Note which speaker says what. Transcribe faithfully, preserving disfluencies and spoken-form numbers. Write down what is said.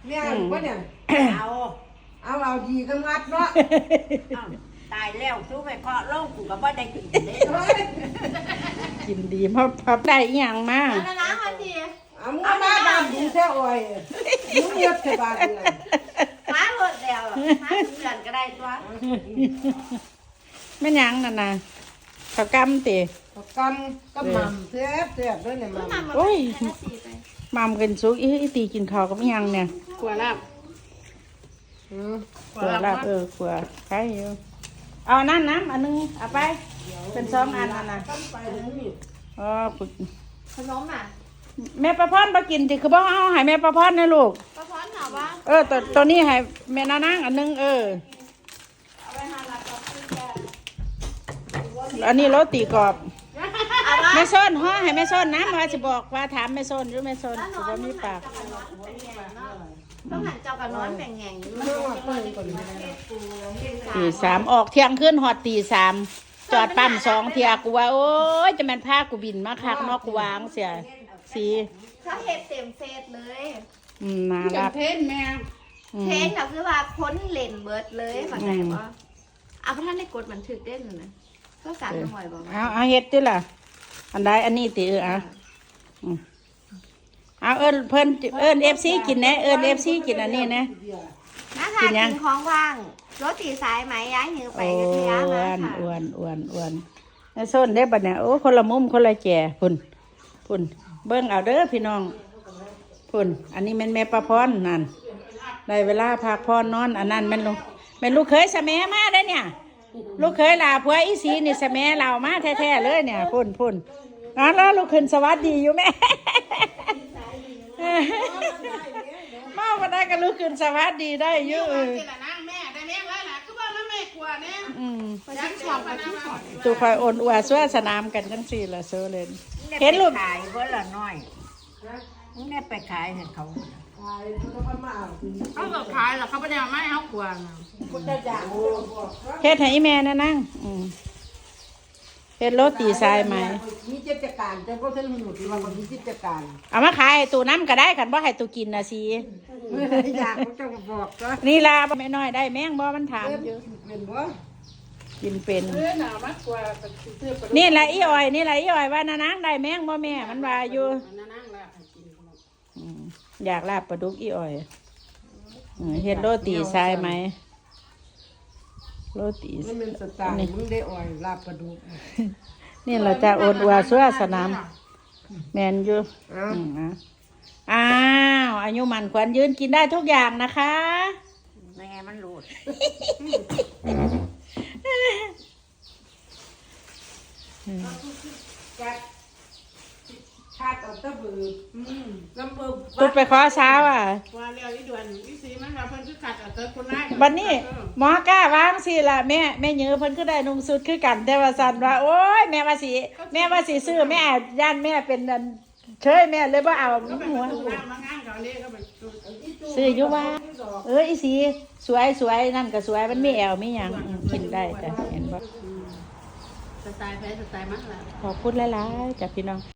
Speaker 1: เนี่ยว่าเนี่ย
Speaker 2: เอา
Speaker 1: เอาเอาดีก็งัดเนาะ
Speaker 2: ตายแล้วสู้ไปเคาะโลกกูก็บ่ได้กินเลย
Speaker 3: กินดีเพราะพับได้อีหยังมา
Speaker 4: นะนะวันดี
Speaker 1: เอามึงมาดำดูแท้อ่อยมึงเงียบสบายเลย
Speaker 4: หาหมดแล้วหาถึงเดือนก็ได้ตัว
Speaker 3: แม่นหยังนั่นน่ะข้าวกำติ
Speaker 1: กำก็มั่มแซ่บแซ่บด้วยเนี่ยมั่ม
Speaker 4: มาโอ้ยแค่สี่ไป
Speaker 3: มามกันสุกอีอีตีกินข้าวกับอีหยังเนี่ย
Speaker 2: กลัวลาบ
Speaker 1: อืม
Speaker 3: ขัวลาบเออขัวใครอยู่เอาอันนั่นน้ำอันนึงเอาไปเป็นสองอันอันน่ะ
Speaker 1: ตั้งไปเลยนี่
Speaker 3: อ๋อปึก
Speaker 4: ขนมอ่ะ
Speaker 3: แม่ประพรบ่กินติคือบ่เอาให้แม่ประพรนะลูก
Speaker 4: ป้าพรถามว่า
Speaker 3: เออตัวตัวนี้ให้แม่นานางอันนึงเออ
Speaker 4: เอาไปหาลักกับพี่แก
Speaker 3: อันนี้โรตีกรอบ
Speaker 4: เอาว่า
Speaker 3: แม่ส้นห่อให้แม่ส้นนะว่าสิบอกว่าถามแม่ส้นหรือแม่ส้น
Speaker 4: แล้วน
Speaker 3: สิ
Speaker 4: อน
Speaker 3: บ่มีปาก
Speaker 4: ต้องหันเจ้ากับนอนแบ่งแง่งอยู่
Speaker 1: เมื่อวานเปิดก่อน
Speaker 3: ตีสามออกเที่ยงขึ้นหอดตีสามจอดปั๊มสองเที่ยกูว่าโอ้ยจะแม่นพากูบินมาคักเนอกกูวางเสียสี
Speaker 4: เขาเห็ดเต็มเฟซเลย
Speaker 3: อืมน่ารัก
Speaker 2: เทนแม่
Speaker 3: อื
Speaker 4: เท
Speaker 3: ม
Speaker 4: นก็คือว่าพ้นเลนเบิร์ดเลยเข้าใจปะเอาพระท่านได้กดบันทึกได้หรือนะก็สารจังหวะบอก
Speaker 3: เอาเอาเฮ็ดติล่ะ อันใดอันนี้ติเอออ่ะอืมเอาเอิ้นเพิ่นเอิ้น เอฟ ซี กินแหนะเอิ้น เอฟ ซี กินอันนี้นะ
Speaker 4: นะคะกินของว่างรถตีสายไหมย้ายหิวไป
Speaker 3: โอ้
Speaker 4: กัทยา
Speaker 3: อ้ว
Speaker 4: มาน ค่ะ
Speaker 3: อ้วนอ้วนอ้วนแม่ส้นได้บัดเนี่ยโอ้คนละมุมคนละแก่พุ่นพุ่นเบิ่งเอาเด้อพี่น้องพุ่นอันนี้แม่นแม่ประพรนั่นได้เวลาพักพรนอนอันนั้นแม่นลูกแม่นลูกเคยสะแมมาได้อเนี่ย ลูกเคยลาผัวอีสีนี่สะแมเรามาแท้ๆเลยเนี่ยพุ่นพุ่นอ๋อแล้วลูกขึ้นสวัสดีอยู่แม่ มาวันได้ก็ลูกขึ้นสวัสดีได้เยอะเออ
Speaker 2: นี่แหละนางแม่ได้แม่แล้วล่ะคือว่าแม่กลัวเนี่ย
Speaker 3: อืม
Speaker 4: ไปที่ช็อปไปที่ช็อป
Speaker 3: ตัวคอยโอนอวดสวสนามกันจังสี่ละโซเลนเห็นลูก
Speaker 2: ขายเพื่อละน้อยมึงได้ไปขายให้เขา
Speaker 1: ขายแล้วก็มาเอา
Speaker 2: เขาก็ขายแล้วเขาไม่ได้เอาไม้เขากลัวนะ
Speaker 1: คุณจะอยากโอ้บอก
Speaker 3: เฮ็ดให้อีแม่นะนั่งอืมเฮ็ดโรตีทรายไหม
Speaker 1: มีกิจการแต่ก็เส้นหนุนที่ว่ามีกิจการ
Speaker 3: เอามาขายให้ตูน้ำก็ได้กันบ่ให้ตูกินนะสิ
Speaker 1: เมื่ออยากเขาจะบอกก็
Speaker 3: นี่ลาแม่น้อยได้แม่งบ่มันถามอยู่
Speaker 1: เป็นว่า
Speaker 3: กินเป็น
Speaker 2: เพื่อนเอามากลัวซื้อไป
Speaker 3: นี่แหละอีอ้อยนี่แหละอีอ้อยว่านะนางได้แม่งบ่แม่มันว่าอยู่
Speaker 2: นั่งแล้วกิน
Speaker 3: อืมอยากลาบปลาดุกอีอ้อยเออเฮ็ดโรตีทรายไหมโรตี
Speaker 1: นี่เป็นสไตล์มึงได้อ่อยลาบปลาดุก
Speaker 3: นี่เราจะโอนอวดสวสนามแมนอยู่
Speaker 1: อ้าว
Speaker 3: อืมอ่ะอ้าวอายุมันขวัญยืนกินได้ทุกอย่างนะคะ
Speaker 2: แม่มันหลุด
Speaker 1: จัดชาติเอาตะบือลำเบิด
Speaker 3: ตุดไปขอเช้าอ่ะ
Speaker 2: ว่าเรียวอีด่วนอีสีมันว่าเพิ่นคือขัดเอาเตอคนร้าย
Speaker 3: วันนี้หมอกล้าวางสิล่ะแม่แม่เยือเพิ่นคือได้นุ่งสุดคือกันแต่ว่าสันว่าโอ้ยแม่ว่าสิแม่ว่าสิซื้อแม่ย่านแม่เป็นอันเชยแม่เลยว่าเอา
Speaker 2: ก็เป็น
Speaker 3: หัว
Speaker 2: ตู้น้ำมางานเขาเลยก็เป็นตู้
Speaker 3: ซื้ออยู่ว่า เอออีสีสวยสวยนั่นก็สวยมันมีแอวมีหยังอืมกินได้จ้ะเห็นบ่
Speaker 2: สไตล์แพ้สไตล์มันละ
Speaker 3: ขอพูดหลายๆจากพี่น้อง